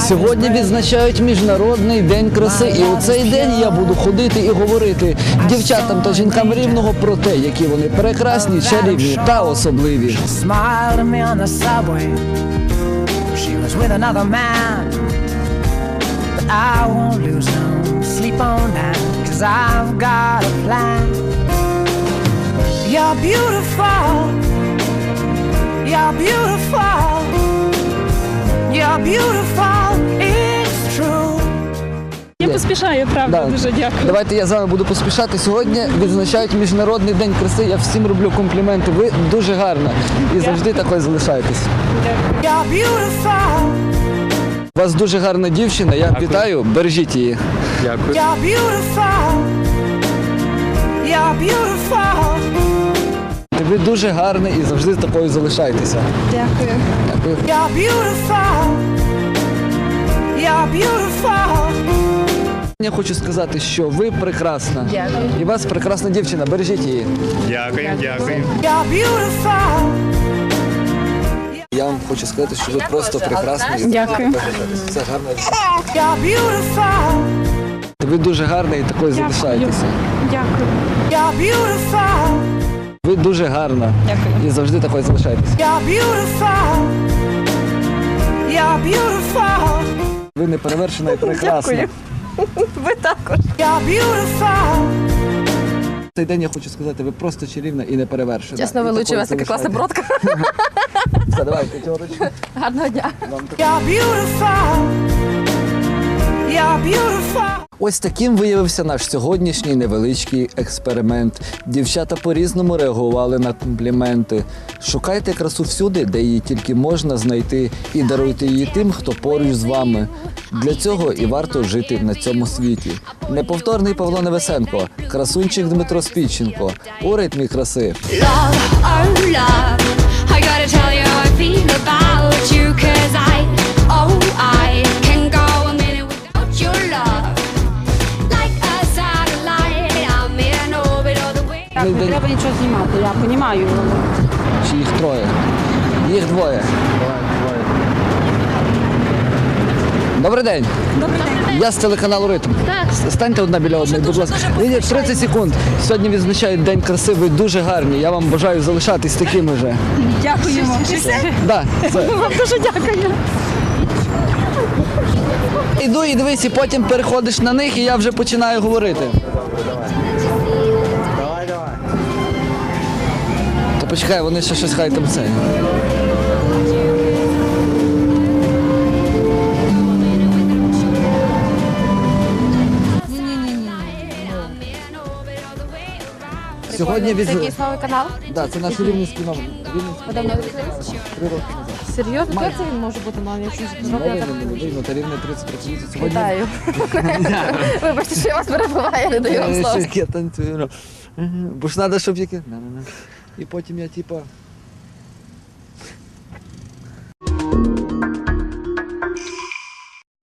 Сьогодні відзначають Міжнародний день краси, і у цей день я буду ходити і говорити дівчатам та жінкам Рівного про те, які вони прекрасні, чарівні та особливі. Я поспішаю, правда, дуже дякую. Давайте я з вами буду поспішати. Сьогодні відзначають Міжнародний день краси. Я всім роблю компліменти. Ви дуже гарна і завжди такою залишаєтесь. У вас дуже гарна дівчина, я вітаю, бережіть її. Дякую. Ви дуже гарна і завжди такою залишайтеся. Дякую. Дякую. Я хочу сказати, що ви прекрасна. Дякую. І у вас прекрасна дівчина, бережіть її. Дякую, дякую. Я вам хочу сказати, що ви просто прекрасна. І Дякую. все гарно. Ви дуже гарна і такою залишаєтеся. Дякую. Ви дуже гарна. Дякую. І завжди такою залишаєтеся. Ви неперевершена і прекрасна. Дякую. Ви також. Цей день я хочу сказати, ви просто чарівна і неперевершена. Чесно, ви І лучше, у такою вас така класна залишайтеся. бродка. Все, давай, п'ятерочку. Гарного дня. Ось таким виявився наш сьогоднішній невеличкий експеримент. Дівчата по-різному реагували на компліменти. Шукайте красу всюди, де її тільки можна знайти, і даруйте її тим, хто поруч з вами. Для цього і варто жити на цьому світі. Неповторний Павло Невесенко, красунчик Дмитро Спідченко. У ритмі краси. Love, oh love, I gotta tell you how I feel about you, 'cause I can go a minute without your love. Like a satellite, I'm in orbit all the way. Не треба нічого знімати, я розумію. Чи їх троє? Їх двоє. Добрий день. Добрий день. Я з телеканалу «Ритм». Станьте одна біля одної, будь ласка. Ні, 30 секунд. Сьогодні відзначають День краси, ви дуже гарні. Я вам бажаю залишатись такими же. Дякуємо. Да, це. Вам дуже дякую. Іду і дивись, і потім переходиш на них, і я вже починаю говорити. То почекай, вони ще щось хай там це. Сьогодні від... Це якийсь новий канал? Да, це наш рівненський номер. Рівненський Ви давно відкрилися? 3 роки назад. Серйозно? Як це він може бути новий? Якщо ж Новий, я так не молодий, та рівне 30 років. Сьогодні... вітаю. Вибачте, що я вас перебуваю, я не даю вам слова. Я танцюю. Бо ж треба, щоб яке... І потім я, типа,